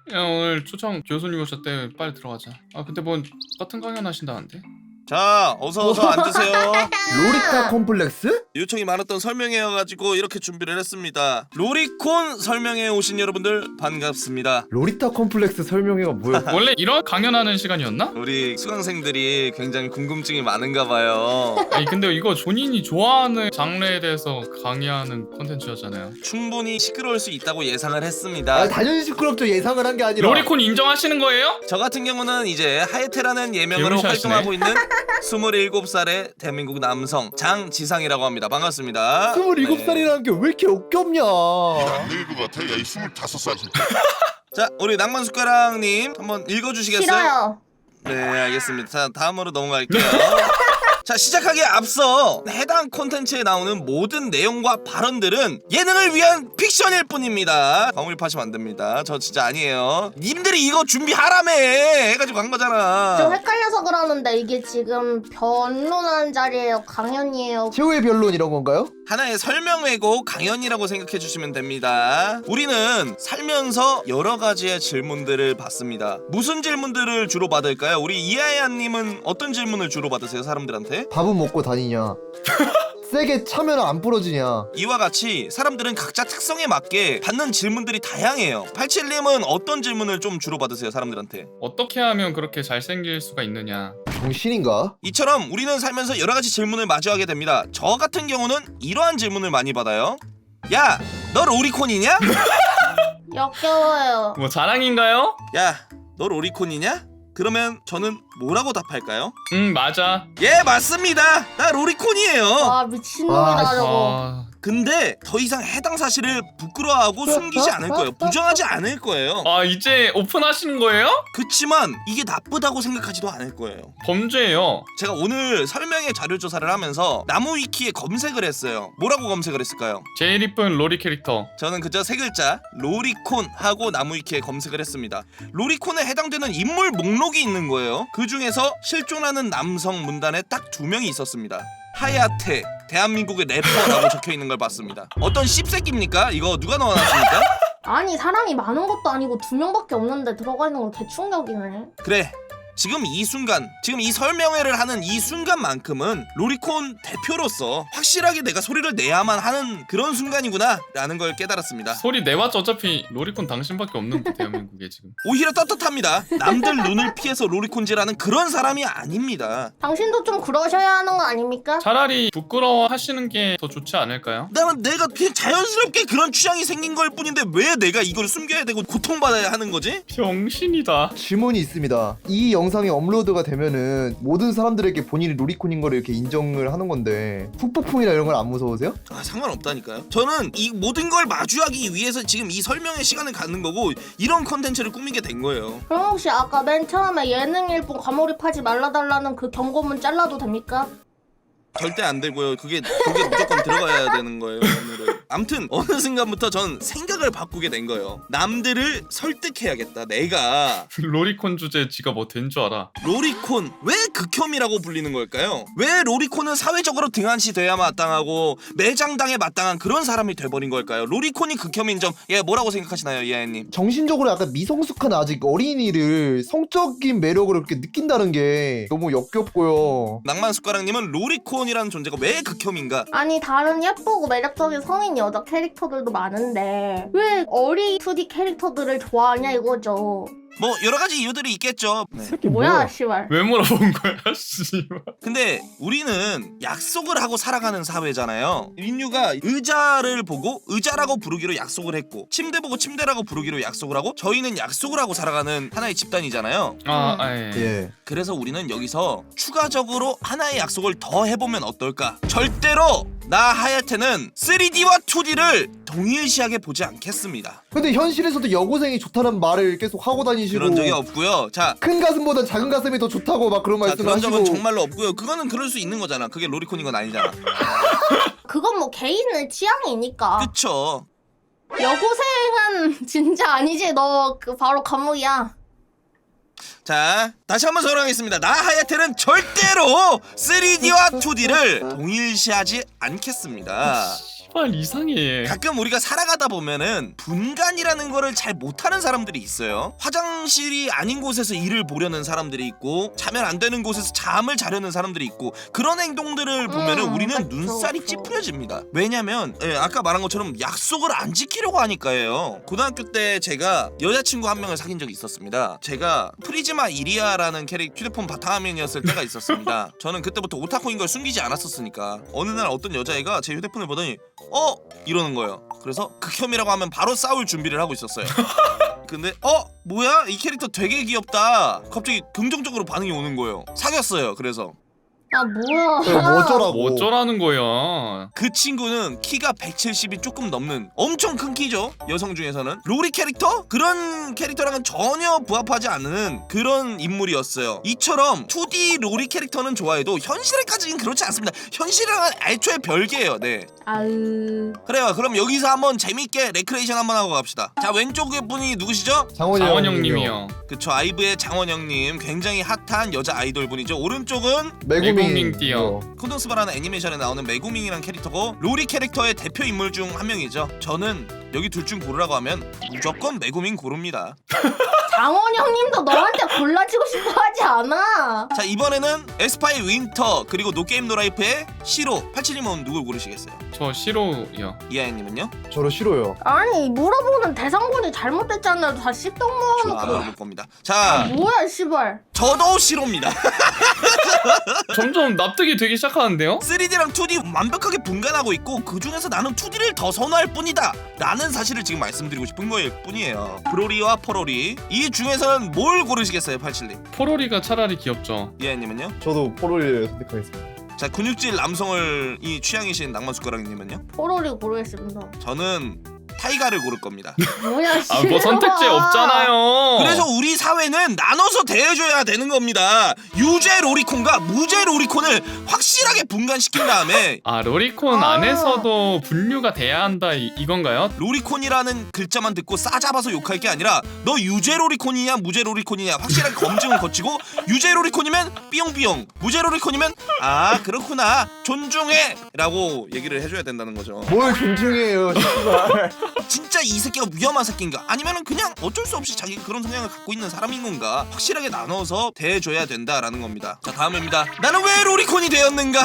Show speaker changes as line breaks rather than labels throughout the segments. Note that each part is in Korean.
야, 오늘 초청 교수님 오셨대. 빨리 들어가자. 아 근데 뭐 같은 강연 하신다는데?
자, 어서 앉으세요.
로리타 콤플렉스?
요청이 많았던 설명회여가지고 이렇게 준비를 했습니다. 로리콘 설명회 오신 여러분들 반갑습니다.
로리타 콤플렉스 설명회가 뭐야?
원래 이런 강연하는 시간이었나?
우리 수강생들이 굉장히 궁금증이 많은가 봐요.
아니 근데 이거 본인이 좋아하는 장르에 대해서 강의하는 콘텐츠였잖아요.
충분히 시끄러울 수 있다고 예상을 했습니다.
아, 당연히 시끄럽죠. 예상을 한 게 아니라.
로리콘 인정하시는 거예요?
저 같은 경우는 이제 하예테라는 예명으로
개무시하시네.
활동하고 있는 27살의 대한민국 남성 장지상이라고 합니다. 반갑습니다.
27살이라는 게 왜 이렇게 역겹냐?
늙은 것 같아. 야이 25살.
자, 우리 낭만숟가락님 한번 읽어주시겠어요?
싫어요.
네, 알겠습니다. 자, 다음으로 넘어갈게요. 자, 시작하기에 앞서 해당 콘텐츠에 나오는 모든 내용과 발언들은 예능을 위한 픽션일 뿐입니다. 과몰입하시면 안 됩니다. 저 진짜 아니에요. 님들이 이거 준비하라며 해가지고 간
좀
거잖아.
헷갈려서 그러는데 이게 지금 변론하는 자리예요? 강연이에요?
최후의 변론 이런 건가요?
하나의 설명회고 강연이라고 생각해 주시면 됩니다. 우리는 살면서 여러 가지의 질문들을 받습니다. 무슨 질문들을 주로 받을까요? 우리 이하야님은 어떤 질문을 주로 받으세요, 사람들한테?
밥은 먹고 다니냐? 세게 차면 안 부러지냐?
이와 같이 사람들은 각자 특성에 맞게 받는 질문들이 다양해요. 87님은 어떤 질문을 좀 주로 받으세요, 사람들한테?
어떻게 하면 그렇게 잘생길 수가 있느냐?
정신인가?
이처럼 우리는 살면서 여러 가지 질문을 마주하게 됩니다. 저 같은 경우는 이러한 질문을 많이 받아요. 야, 너 로리콘이냐?
역겨워요.
뭐 자랑인가요?
야, 너 로리콘이냐? 그러면 저는 뭐라고 답할까요?
맞아.
예, 맞습니다. 나 로리콘이에요.
와 미친놈이다
아,
저거.
아,
근데 더 이상 해당 사실을 부끄러워하고 숨기지 않을 거예요. 부정하지 않을 거예요.
아 이제 오픈하시는 거예요?
그치만 이게 나쁘다고 생각하지도 않을 거예요.
범죄예요.
제가 오늘 설명회 자료 조사를 하면서 나무위키에 검색을 했어요. 뭐라고 검색을 했을까요?
제일 이쁜 로리 캐릭터.
저는 그저 세 글자 로리콘 하고 나무위키에 검색을 했습니다. 로리콘에 해당되는 인물 목록이 있는 거예요. 그 중에서 실존하는 남성 문단에 딱 2명이 있었습니다. 하야테 대한민국의 래퍼라고 적혀 있는 걸 봤습니다. 어떤 씹새끼입니까? 이거 누가 넣어놨습니까?
아니 사람이 많은 것도 아니고 2명밖에 없는데 들어가 있는 건 개충격이네.
그래, 지금 이 순간, 지금 이 설명회를 하는 이 순간만큼은 로리콘 대표로서 확실하게 내가 소리를 내야만 하는 그런 순간이구나 라는 걸 깨달았습니다.
소리 내봤자 어차피 로리콘 당신밖에 없는데 대한민국에 지금.
오히려 떳떳합니다. 남들 눈을 피해서 로리콘질하는 그런 사람이 아닙니다.
당신도 좀 그러셔야 하는 거 아닙니까?
차라리 부끄러워하시는 게 더 좋지 않을까요?
나는 내가 그냥 자연스럽게 그런 취향이 생긴 걸 뿐인데 왜 내가 이걸 숨겨야 되고 고통받아야 하는 거지?
병신이다.
질문이 있습니다. 이 영상이 업로드가 되면은 모든 사람들에게 본인이 로리콘인 거를 이렇게 인정을 하는 건데 후폭풍이나 이런 건 안 무서우세요?
아, 상관없다니까요. 저는 이 모든 걸 마주하기 위해서 지금 이 설명의 시간을 갖는 거고 이런 컨텐츠를 꾸미게 된 거예요.
그럼 혹시 아까 맨 처음에 예능일 뿐 과몰입하지 말라달라는 그 경고문 잘라도 됩니까?
절대 안 되고요. 그게 무조건 들어가야 되는 거예요. 오늘은. 아무튼 어느 순간부터 전 생각을 바꾸게 된 거예요. 남들을 설득해야겠다. 내가
로리콘 주제 지가 뭐 된 줄 알아.
로리콘 왜 극혐이라고 불리는 걸까요? 왜 로리콘은 사회적으로 등한시돼야 마땅하고 매장당에 마땅한 그런 사람이 돼버린 걸까요? 로리콘이 극혐인 점, 예, 뭐라고 생각하시나요, 이하연님?
정신적으로 약간 미성숙한 아직 어린이를 성적인 매력을 그렇게 느낀다는 게 너무 역겹고요.
낭만숟가락님은 로리콘이라는 존재가 왜 극혐인가?
아니 다른 예쁘고 매력적인 성인 여자 캐릭터들도 많은데 왜 어리 2D 캐릭터들을 좋아하냐 이거죠.
뭐 여러 가지 이유들이 있겠죠. 네.
새끼
뭐야 씨발.
왜 물어본 거야, 씨발.
근데 우리는 약속을 하고 살아가는 사회잖아요. 인류가 의자를 보고 의자라고 부르기로 약속을 했고 침대 보고 침대라고 부르기로 약속을 하고 저희는 약속을 하고 살아가는 하나의 집단이잖아요.
예.
예.
그래서 우리는 여기서 추가적으로 하나의 약속을 더 해보면 어떨까? 절대로 나 하야테는 3D와 2D를 동일시하게 보지 않겠습니다.
근데 현실에서도 여고생이 좋다는 말을 계속 하고 다니시고
그런 적이 없고요. 자,
큰 가슴보다 작은 가슴이 더 좋다고 막 그런
그런
말씀하시고
적은 정말로 없고요. 그거는 그럴 수 있는 거잖아. 그게 로리콘인 건 아니잖아.
그건 뭐 개인의 취향이니까.
그쵸?
여고생은 진짜 아니지. 너 그 바로 감옥이야.
자, 다시 한번 설명하겠습니다. 나 하야테는 절대로 3D와 2D를 동일시하지 않겠습니다.
씨발 이상해.
가끔 우리가 살아가다 보면은 분간이라는 거를 잘 못하는 사람들이 있어요. 화장실이 아닌 곳에서 일을 보려는 사람들이 있고 자면 안 되는 곳에서 잠을 자려는 사람들이 있고 그런 행동들을 보면은 우리는
그쵸,
눈살이
그쵸.
찌푸려집니다. 왜냐면 아까 말한 것처럼 약속을 안 지키려고 하니까예요. 고등학교 때 제가 여자친구 한 명을 사귄 적이 있었습니다. 제가 프리즈마 이리아라는 휴대폰 바탕화면이었을 때가 있었습니다. 저는 그때부터 오타쿠인 걸 숨기지 않았었으니까 어느 날 어떤 여자애가 제 휴대폰을 보더니 이러는 거예요. 그래서 극혐이라고 하면 바로 싸울 준비를 하고 있었어요. 근데 뭐야? 이 캐릭터 되게 귀엽다. 갑자기 긍정적으로 반응이 오는 거예요. 사귀었어요. 그래서
아 뭐야?
뭐 어쩌라고.
뭐 어쩌라는 거야.
그 친구는 키가 170이 조금 넘는 엄청 큰 키죠. 여성 중에서는 로리 캐릭터? 그런 캐릭터랑은 전혀 부합하지 않는 그런 인물이었어요. 이처럼 2D 로리 캐릭터는 좋아해도 현실에까지는 그렇지 않습니다. 현실이랑은 애초에 별개예요. 네.
아으.
그래요. 그럼 여기서 한번 재밌게 레크레이션 한번 하고 갑시다. 자, 왼쪽에 분이 누구시죠?
장원 형님이요.
그쵸, 아이브의 장원 형님. 굉장히 핫한 여자 아이돌 분이죠. 오른쪽은
메구밍 띠요.
콘돈스바라는 애니메이션에 나오는 메구밍이란 캐릭터고 로리 캐릭터의 대표 인물 중 한 명이죠. 저는 여기 둘 중 고르라고 하면 무조건 메구밍 고릅니다.
장원 형님도 너한테 골라주고 싶어 하지 않아.
자, 이번에는 에스파의 윈터 그리고 노게임 노라이프의 시로. 87님은 누굴 고르시겠어요?
저 시로요.
이하연님은요?
저로 싫어요.
아니 물어보는 대상군이 잘못됐잖아요. 다 씹덕
저 안
모아놓고.
물어볼 겁니다. 자,
뭐야 씨발.
저도 시로입니다.
점점 납득이 되기 시작하는데요?
3D랑 2D 완벽하게 분간하고 있고 그 중에서 나는 2D를 더 선호할 뿐이다 라는 사실을 지금 말씀드리고 싶은 거일 뿐이에요. 브로리와 포로리 이 중에서는 뭘 고르시겠어요? 87님.
포로리가 차라리 귀엽죠.
이하연님은요?
저도 포로리를 선택하겠습니다.
자, 근육질 남성을 이 취향이신 낭만숟가락님은요?
포로리 고르겠습니다.
저는 타이가를 고를 겁니다.
뭐야 씨발.
아 뭐 선택지 없잖아요.
그래서 우리 사회는 나눠서 대해줘야 되는 겁니다. 유죄 로리콘과 무죄 로리콘을 확실하게 분간시킨 다음에
아 로리콘 안에서도 분류가 돼야 한다 이건가요?
로리콘이라는 글자만 듣고 싸잡아서 욕할 게 아니라 너 유죄 로리콘이냐 무죄 로리콘이냐 확실하게 검증을 거치고 유죄 로리콘이면 삐용삐용, 무죄 로리콘이면 아 그렇구나 존중해 라고 얘기를 해줘야 된다는 거죠.
뭘 존중해요, 씨발.
진짜 이 새끼가 위험한 새끼인가 아니면은 그냥 어쩔 수 없이 자기가 그런 성향을 갖고 있는 사람인 건가 확실하게 나눠서 대해줘야 된다라는 겁니다. 자, 다음입니다. 나는 왜 로리콘이 되었는가?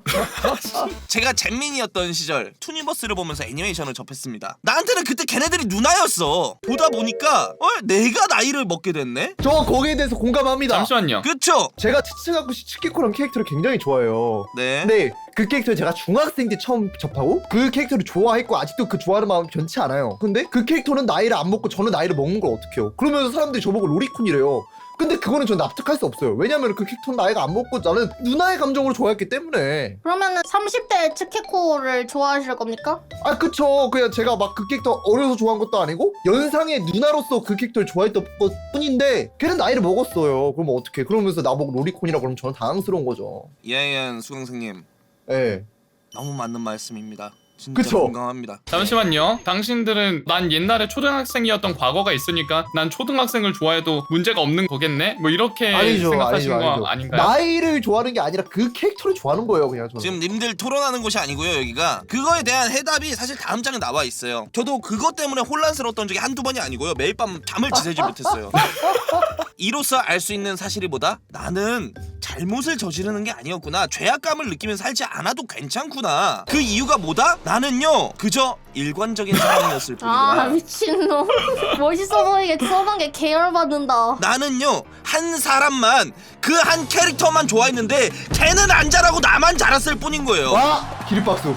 제가 잼민이었던 시절 투니버스를 보면서 애니메이션을 접했습니다. 나한테는 그때 걔네들이 누나였어. 보다 보니까 내가 나이를 먹게 됐네?
저 거기에 대해서 공감합니다.
잠시만요.
그쵸?
제가 치츠가쿠 시츠키코라는 캐릭터를 굉장히 좋아해요.
네.
근데 그 캐릭터를 제가 중학생 때 처음 접하고 그 캐릭터를 좋아했고 아직도 그 좋아하는 마음 변치 않아요. 근데 그 캐릭터는 나이를 안 먹고 저는 나이를 먹는 걸 어떡해요? 그러면서 사람들이 저보고 로리콘이래요. 근데 그거는 전 납득할 수 없어요. 왜냐면 그 캐릭터는 나이가 안 먹고 나는 누나의 감정으로 좋아했기 때문에.
그러면은 30대 츠케코를 좋아하실 겁니까?
아 그쵸. 그냥 제가 막 그 캐릭터 어려서 좋아한 것도 아니고 연상의 누나로서 그 캐릭터를 좋아했던 것 뿐인데 걔는 나이를 먹었어요. 그럼 어떡해. 그러면서 나보고 로리콘이라고 그러면 저는 당황스러운 거죠.
이하연 수강생님
예.
너무 맞는 말씀입니다. 진짜
그쵸?
공감합니다.
잠시만요. 당신들은 난 옛날에 초등학생이었던 과거가 있으니까 난 초등학생을 좋아해도 문제가 없는 거겠네? 뭐 이렇게
아니죠,
생각하신
아니죠,
거
아니죠.
아닌가요?
나이를 좋아하는 게 아니라 그 캐릭터를 좋아하는 거예요, 그냥 저는.
지금 님들 토론하는 곳이 아니고요. 여기가 그거에 대한 해답이 사실 다음 장에 나와 있어요. 저도 그것 때문에 혼란스러웠던 적이 한두 번이 아니고요. 매일 밤 잠을 지새지 못했어요. 이로써 알 수 있는 사실이 뭐다? 나는 잘못을 저지르는 게 아니었구나. 죄악감을 느끼면서 살지 않아도 괜찮구나. 그 이유가 뭐다? 나는요 그저 일관적인 사람이었을
아
뿐이구나.
미친놈. 멋있어 보이게 써놓은 게 계열받는다.
나는요 한 사람만 그 한 캐릭터만 좋아했는데 걔는 안 자라고 나만 자랐을 뿐인 거예요.
와! 기립박수.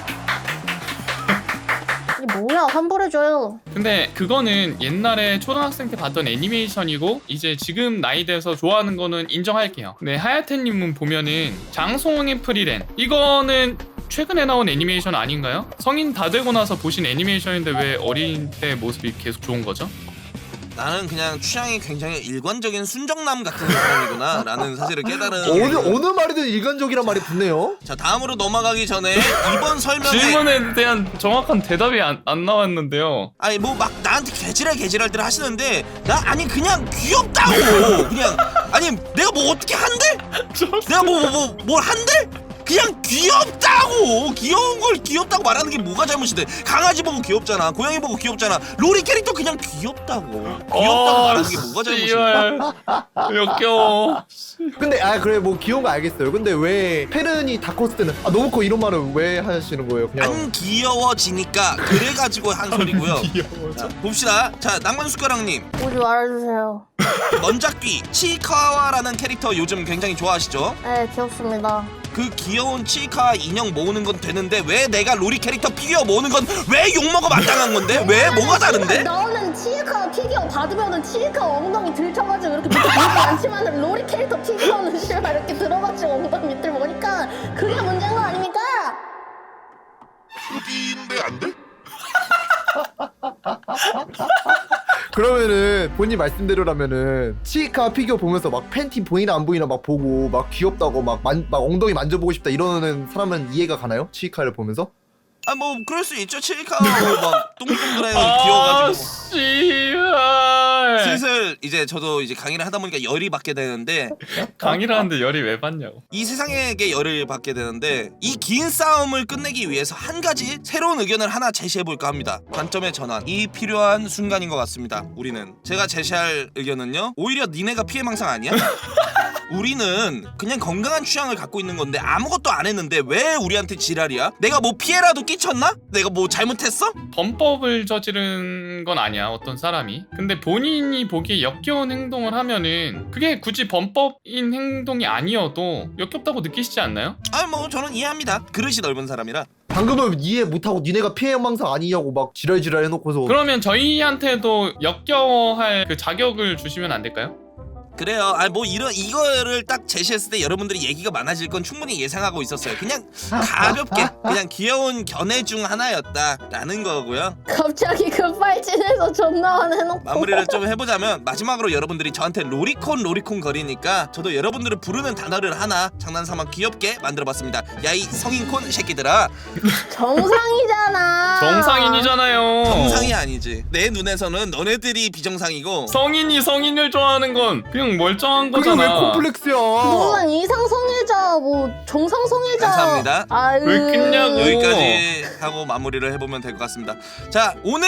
이게 뭐야 환불해줘요.
근데 그거는 옛날에 초등학생 때 봤던 애니메이션이고 이제 지금 나이 돼서 좋아하는 거는 인정할게요. 근데 하야테님은 보면은 장송의 프리랜 이거는 최근에 나온 애니메이션 아닌가요? 성인 다 되고 나서 보신 애니메이션인데 왜 어린 때 모습이 계속 좋은 거죠?
나는 그냥 취향이 굉장히 일관적인 순정남 같은 사람이구나 라는 사실을 깨달은
어느 말이든 일관적이란 말이 붙네요.
자, 다음으로 넘어가기 전에 이번 설명에
질문에 대한 정확한 대답이 안 나왔는데요.
아니 뭐 막 나한테 개지랄들 하시는데 나 아니 그냥 귀엽다고 그냥 아니 내가 뭐 어떻게 한대? 내가 뭘 한대? 그냥 귀엽다고. 귀여운 걸 귀엽다고 말하는 게 뭐가 잘못인데. 강아지 보고 귀엽잖아, 고양이 보고 귀엽잖아. 로리 캐릭터 그냥 귀엽다고. 귀엽다고 말하는 게 뭐가 잘못인데.
역겨워.
근데 그래 뭐 귀여운 거 알겠어요. 근데 왜 페른이 다커스 때는 너무 커 이런 말을 왜 하시는 거예요? 그냥
안 귀여워지니까 그래가지고 한 소리고요. 자, 봅시다. 자, 낭만숟가락님,
오지 말아주세요.
먼작귀 치카와라는 캐릭터 요즘 굉장히 좋아하시죠?
네, 귀엽습니다.
그 귀여운 치카와 인형 모으는 건 되는데 왜 내가 로리 캐릭터 피규어 모으는 건 왜 욕먹어 마땅한 건데? 왜? 뭐가 다른데?
너는 치카 피규어 받으면은 치카 엉덩이 들쳐가지고 이렇게 밑에 보이지 않지만 로리 캐릭터 피규어는 씨발 이렇게 들어가지고 엉덩이 밑을 보니까 그게 문제인 거 아닙니까?
푸디인데 안 돼?
그러면은 본인 말씀대로라면은 치카 피규어 보면서 막 팬티 보이나 안 보이나 막 보고 막 귀엽다고 막 엉덩이 만져보고 싶다 이러는 사람은 이해가 가나요? 치카를 보면서?
아, 뭐 그럴 수 있죠. 치카와 막 똥똥그레 귀여워가지고.
씨발.
슬슬 이제 저도 이제 강의를 하다 보니까 열이 받게 되는데,
강의를 하는데 열이 왜 받냐고.
이 세상에게 열을 받게 되는데, 이 긴 싸움을 끝내기 위해서 한 가지 새로운 의견을 하나 제시해 볼까 합니다. 관점의 전환이 필요한 순간인 것 같습니다. 우리는 제가 제시할 의견은요, 오히려 니네가 피해망상 아니야? 우리는 그냥 건강한 취향을 갖고 있는 건데 아무것도 안 했는데 왜 우리한테 지랄이야? 내가 뭐 피해라도 끼쳤나? 내가 뭐 잘못했어?
범법을 저지른 건 아니야, 어떤 사람이. 근데 본인이 보기에 역겨운 행동을 하면은 그게 굳이 범법인 행동이 아니어도 역겹다고 느끼시지 않나요?
아, 뭐 저는 이해합니다. 그릇이 넓은 사람이라.
방금은 이해 못하고 니네가 피해망상 아니냐고 막 지랄지랄 해놓고서
그러면 저희한테도 역겨워할 그 자격을 주시면 안 될까요?
그래요. 아, 뭐 이거를 딱 제시했을 때 여러분들이 얘기가 많아질 건 충분히 예상하고 있었어요. 그냥 가볍게 그냥 귀여운 견해 중 하나였다라는 거고요.
갑자기 급발진해서 존나 화내놓고
마무리를 좀 해보자면, 마지막으로 여러분들이 저한테 로리콘 거리니까 저도 여러분들을 부르는 단어를 하나 장난삼아 귀엽게 만들어봤습니다. 야, 이 성인콘 새끼들아.
정상이잖아.
정상인이잖아요.
정상이 아니지. 내 눈에서는 너네들이 비정상이고.
성인이 성인을 좋아하는 건 그냥 멀쩡한
그게 왜
거잖아.
콤플렉스야?
너는 이상성애자 뭐 정상성애자.
감사합니다.
아유.
왜 끊냐고.
여기까지 하고 마무리를 해보면 될 것 같습니다. 자, 오늘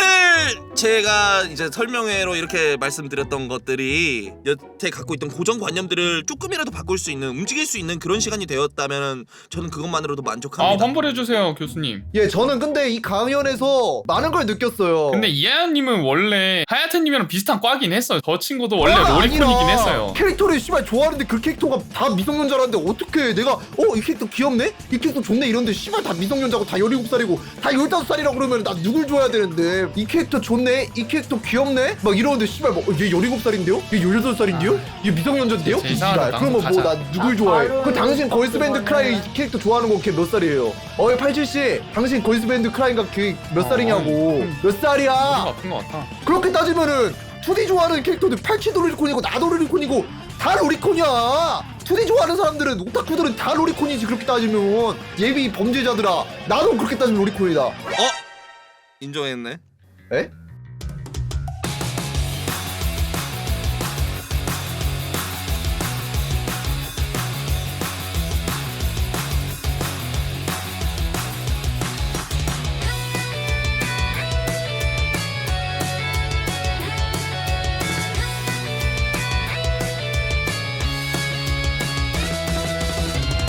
제가 이제 설명회로 이렇게 말씀드렸던 것들이 여태 갖고 있던 고정관념들을 조금이라도 바꿀 수 있는, 움직일 수 있는 그런 시간이 되었다면 저는 그것만으로도 만족합니다.
환불해주세요, 교수님.
예, 저는 근데 이 강연에서 많은 걸 느꼈어요.
근데 이하연님은 원래 하야테님이랑 비슷한 과긴 했어요. 저 친구도 원래
과가
로리콘이긴
아니라
했어요.
캐릭터를 씨발 좋아하는데 그 캐릭터가 다 미성년자라는데 어떻게 내가 이 캐릭터 귀엽네? 이 캐릭터 좋네 이런데 씨발 다 미성년자고 다 17살이고 다 15살이라고 그러면 나 누굴 좋아해야 되는데, 이 캐릭터 좋네? 이 캐릭터 귀엽네? 막 이러는데 씨발 뭐 얘 17살인데요? 얘 18살인데요? 얘 미성년자인데요?
제 이상하다.
그러면 뭐
가자.
나 누굴 좋아해?
바로
그 당신 걸스밴드 크라이 캐릭터 좋아하는 거 걔 몇 살이에요? 87씨 당신 걸스밴드 크라이가 걔 몇 살이냐고. 몇
머리가
살이야?
아픈 것 같아.
그렇게 따지면은 2D 좋아하는 캐릭터들 87도 로리콘이고 나도 로리콘이고 다 로리콘이야. 2D 좋아하는 사람들은, 오타쿠들은 다 로리콘이지. 그렇게 따지면 예비 범죄자들아, 나도 그렇게 따지면 로리콘이다.
인정했네.
에?